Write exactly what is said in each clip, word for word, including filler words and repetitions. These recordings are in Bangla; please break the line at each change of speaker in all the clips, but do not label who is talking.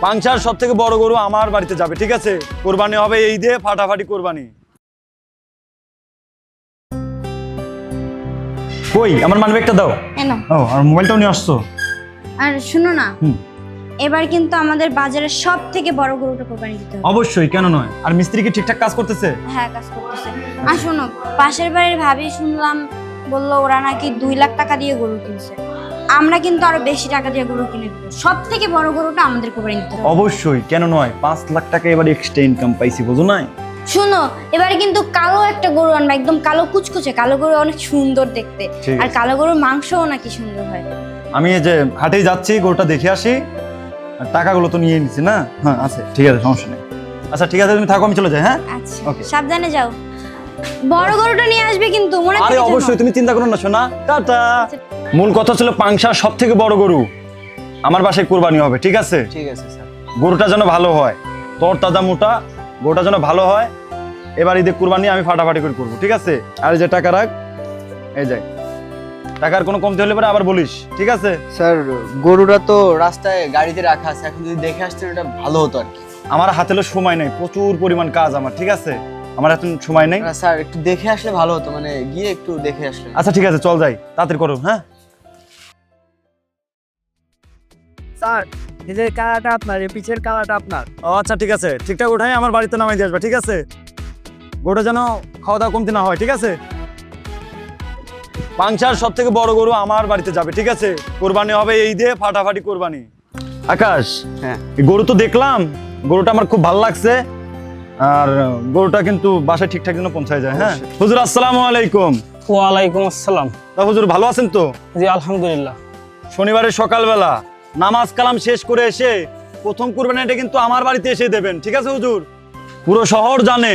পাংশার সব থেকে বড় গরু আমার বাড়িতে যাবে, ঠিক আছে? কোরবানি হবে এই দিয়ে, ফাটাফাটি কোরবানি। কই আমার মানিব্যাগটা দাও।
এনো।
ও আর মোবাইলটাও নিয়ে আসছো।
আর শুনো না,
হুম।
এবার কিন্তু আমাদের বাজারের সব থেকে বড় গরুটা কোরবানি দিতে হবে।
অবশ্যই, কেন নয়। আর মিস্ত্রি কি ঠিকঠাক কাজ করতেছে?
হ্যাঁ, কাজ করতেছে। আর শোনো, পাশের বাড়ির ভাবি শুনলাম বললো ওরা নাকি দুই লাখ টাকা দিয়ে গরু কিনছে। আমরা কিন্তু আরো বেশি টাকা দিয়ে গরু কিনে দেবো। সব থেকে বড় গরুটা আমাদের কোরবানি দিতে হবে।
অবশ্যই, কেন নয়। পাঁচ লাখ টাকা এবার এক্সট্রা ইনকাম পাইছি, বুঝো না?
শুনো, এবারে কিন্তু কালো একটা গরু আনবা, একদম কালো কুচকুচে। কালো গরু অনেক সুন্দর দেখতে, আর কালো গরুর মাংসও নাকি সুন্দর হয়।
আমি এই যে হাটেই যাচ্ছি, গরুটা দেখে আসি। আর টাকাগুলো তো নিয়ে নিছি না? হ্যাঁ আছে, ঠিক আছে, সমস্যা নেই। আচ্ছা ঠিক আছে, তুমি থাকো, আমি চলে যাই। হ্যাঁ
আচ্ছা,
ওকে।
সাবধানে যাও। বড় গরুটা নিয়ে আসবে কিন্তু, মনে থাকে?
আরে অবশ্যই, তুমি চিন্তা করো না সোনা। টাটা। মূল কথা ছিল পাংশার সব থেকে বড় গরু আমার বাসায় কুরবানি হবে, ঠিক আছে?
ঠিক আছে স্যার।
গরুটা যেন ভালো হয়, তোর তাজা মোটা গরুটা যেন ভালো হয়। এবার ঈদে কুরবানি আমি ফাটাফাটি করে করবো, ঠিক আছে? আর এই যে টাকা রাখ, এই যাই। টাকার কোনো কমতি হলে পরে আবার বলিস, ঠিক আছে?
স্যার গরুটা তো রাস্তায় গাড়িতে রাখা আছে, এখন যদি দেখে আসতেন এটা ভালো হতো আর কি।
আমার হাতে সময় নেই, প্রচুর পরিমাণ কাজ আমার, ঠিক আছে? আমার এখন সময় নেই।
না স্যার, একটু দেখে আসলে ভালো হতো, মানে গিয়ে একটু দেখে আসলে।
আচ্ছা ঠিক আছে, চল যাই, তাড়াতাড়ি করো। হ্যাঁ
স্যার, এই যে কালাটা আপনার, এই পিছের কালাটা আপনার।
ও আচ্ছা ঠিক আছে, ঠিকঠাক উঠাই আমার বাড়িতে নামাই দিয়ে আসবে, ঠিক আছে? গরুটা যেন খাওয়া দাওয়া কমতি না হয়, ঠিক আছে? পাংশার সব থেকে বড় গরু আমার বাড়িতে যাবে, ঠিক আছে? কোরবানি হবে এই দিয়ে, ফাটাফাটি কোরবানি। আকাশ,
হ্যাঁ
এই গরু তো দেখলাম, গরুটা আমার খুব ভালো লাগছে। আর গরুটা কিন্তু বাসায় ঠিকঠাক যেন পৌঁছায় যায়। হ্যাঁ হুজুর, আসসালামু আলাইকুম।
ওয়ালাইকুম আসসালাম।
তা হুজুর ভালো আছেন তো?
জি আলহামদুলিল্লাহ।
শনিবারের সকালবেলা নামাজ কালাম শেষ করে এসে প্রথম কুরবানিটা কিন্তু আমার বাড়িতে এসে দেবেন, ঠিক আছে হুজুর? পুরো শহর জানে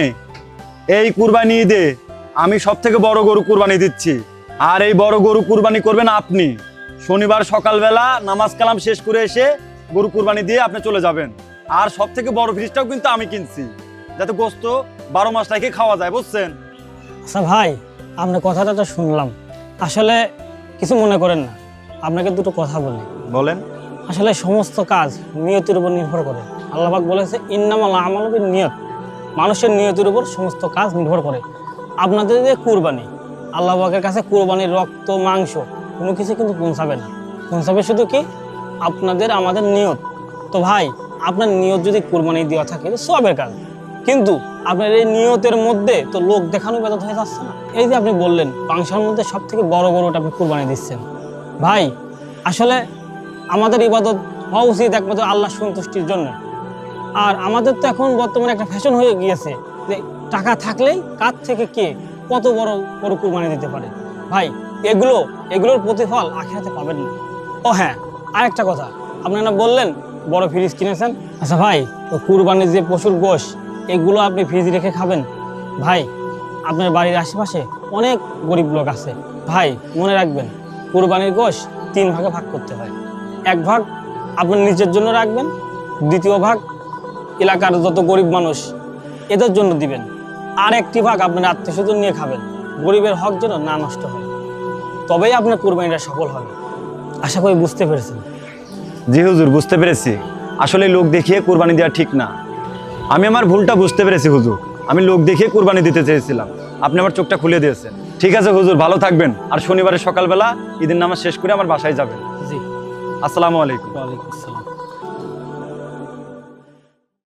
এই কুরবানি ঈদে আমি সব থেকে বড় গরু কুরবানি দিচ্ছি। আর এই বড় গরু কুরবানি করবেন আপনি। শনিবার সকালবেলা নামাজ কালাম শেষ করে এসে গরু কুরবানি দিয়ে আপনি চলে যাবেন। আর সব থেকে বড় ফ্রিজটাও কিন্তু আমি কিনছি, যাতে গোস্ত বারো মাস রেখে খাওয়া যায়, বুঝছেন?
আচ্ছা ভাই, আপনার কথাটা তো শুনলাম, আসলে কিছু মনে করেন না, আপনাকে দুটো কথা বলি।
বলেন।
আসলে সমস্ত কাজ নিয়তের উপর নির্ভর করে। আল্লাহ পাক বলেছে ইন্নামাল আমালু বিন্নিয়াত, মানুষের নিয়তের উপর সমস্ত কাজ নির্ভর করে। আপনাদের যে কুরবানি, আল্লাহ পাকের কাছে কুরবানির রক্ত মাংস কোনো কিছু কিন্তু পৌঁছাবে না, পৌঁছাবে শুধু কি আপনাদের আমাদের নিয়ত। তো ভাই, আপনার নিয়ত যদি কুরবানি দেওয়া থাকে তো সবের কাজ, কিন্তু আপনার এই নিয়তের মধ্যে তো লোক দেখানো বেদত হয়ে যাচ্ছে না। এই যে আপনি বললেন পাংশার মধ্যে সব থেকে বড় গরুটা আপনি কুরবানি দিচ্ছেন, ভাই আসলে আমাদের ইবাদত হওয়া উচিত একমাত্র আল্লাহ সন্তুষ্টির জন্য। আর আমাদের তো এখন বর্তমানে একটা ফ্যাশন হয়ে গিয়েছে যে টাকা থাকলেই কার থেকে কে কত বড় বড় কুরবানি দিতে পারে। ভাই এগুলো এগুলোর প্রতিফল আখিরাতে পাবেন না। ও হ্যাঁ, আরেকটা কথা, আপনারা বললেন বড় ফ্রিজ কিনেছেন। আচ্ছা ভাই, তো কুরবানির যে পশুর গোশ এগুলো আপনি ফ্রিজ রেখে খাবেন? ভাই আপনার বাড়ির আশেপাশে অনেক গরিব লোক আছে, ভাই মনে রাখবেন কুরবানির গোশ তিন ভাগে ভাগ করতে হয়। এক ভাগ আপনার নিজের জন্য রাখবেন, দ্বিতীয় ভাগ এলাকার যত গরিব মানুষ এদের জন্য দিবেন, আর একটি ভাগ আপনার আত্মীয় স্বজন নিয়ে খাবেন। গরিবের হক যেন না নষ্ট হয়, তবেই আপনার কুরবানিটা সফল হবে। আশা করি বুঝতে পেরেছেন।
জি হুজুর, বুঝতে পেরেছি। আসলে লোক দেখিয়ে কুরবানি দেওয়া ঠিক না। আমি আমার ভুলটা বুঝতে পেরেছি হুজুর, আমি লোক দেখিয়ে কুরবানি দিতে চেয়েছিলাম, আপনি আমার চোখটা খুলে দিয়েছেন। ঠিক আছে হুজুর, ভালো থাকবেন। আর শনিবারের সকালবেলা ঈদের নামাজ শেষ করে আমার বাসায় যাবেন।
জি,
আসসালামু আলাইকুম।
ওয়ালাইকুম আসসালাম।